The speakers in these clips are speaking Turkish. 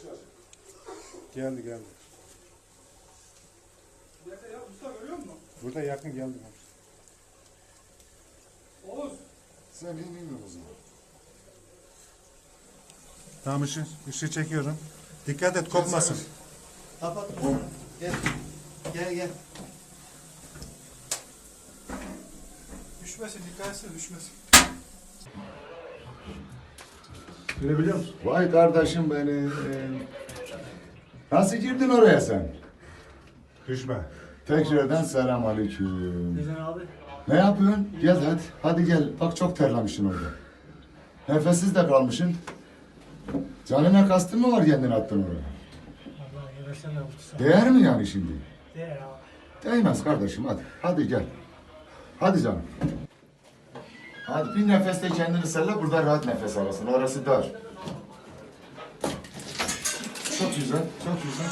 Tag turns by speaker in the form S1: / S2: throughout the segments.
S1: Geldi geldi.
S2: Nerede ya? Mustafa görüyor musun?
S1: Burada yakın geldi.
S2: Oğuz.
S3: Sen bilmiyor o zaman.
S1: Tamam ışığı çekiyorum. Dikkat et kopmasın.
S4: Kapat. Gel. Gel.
S2: Düşmesin, dikkat etsene düşmesin.
S1: Görebiliyor musun?
S3: Vay kardeşim benim. Nasıl girdin oraya sen?
S1: Düşme.
S3: Tekrardan selam aleyküm.
S4: Güzel abi.
S3: Ne yapıyorsun? Gel hadi. Hadi gel. Bak çok terlemişsin orada. Nefessiz de kalmışsın. Canına kastın mı var kendini attın oraya?
S4: Allah yaraşan yaptı.
S3: Değer mi yani şimdi?
S4: Değer abi.
S3: Değmez kardeşim hadi. Hadi gel. Hadi canım. Hadi bir nefeste kendini salla, burada rahat nefes alasın. Orası dar. Çok güzel, çok güzel.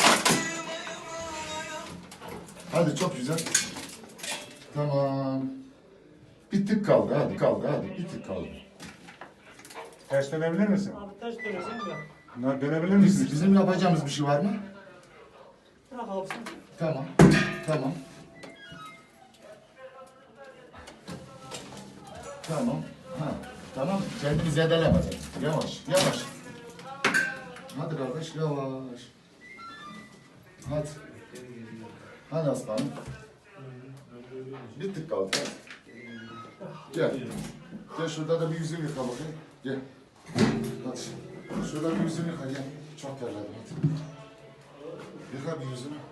S3: Hadi çok güzel. Tamam. Bir tık kaldı, hadi kaldı, hadi. Bir tık kaldı.
S1: Ters dönebilir misin?
S4: Abi taş dönesen de.
S1: Bunlar dönebilir misin?
S3: Bizim yapacağımız bir şey var mı?
S4: Bırak abi sen.
S3: Tamam, tamam. Tamam, ha, tamam. Kendini zedeleme. Yavaş, yavaş. Hadi kardeş, yavaş. Hadi. Hadi aslanım. Bir tık kaldı. Hadi. Gel. Gel şurada da bir yüzünü yıka bakayım. Gel. Hadi. Şurada bir yüzünü yıka gel. Çok terledim hadi. Yıka bir yüzünü.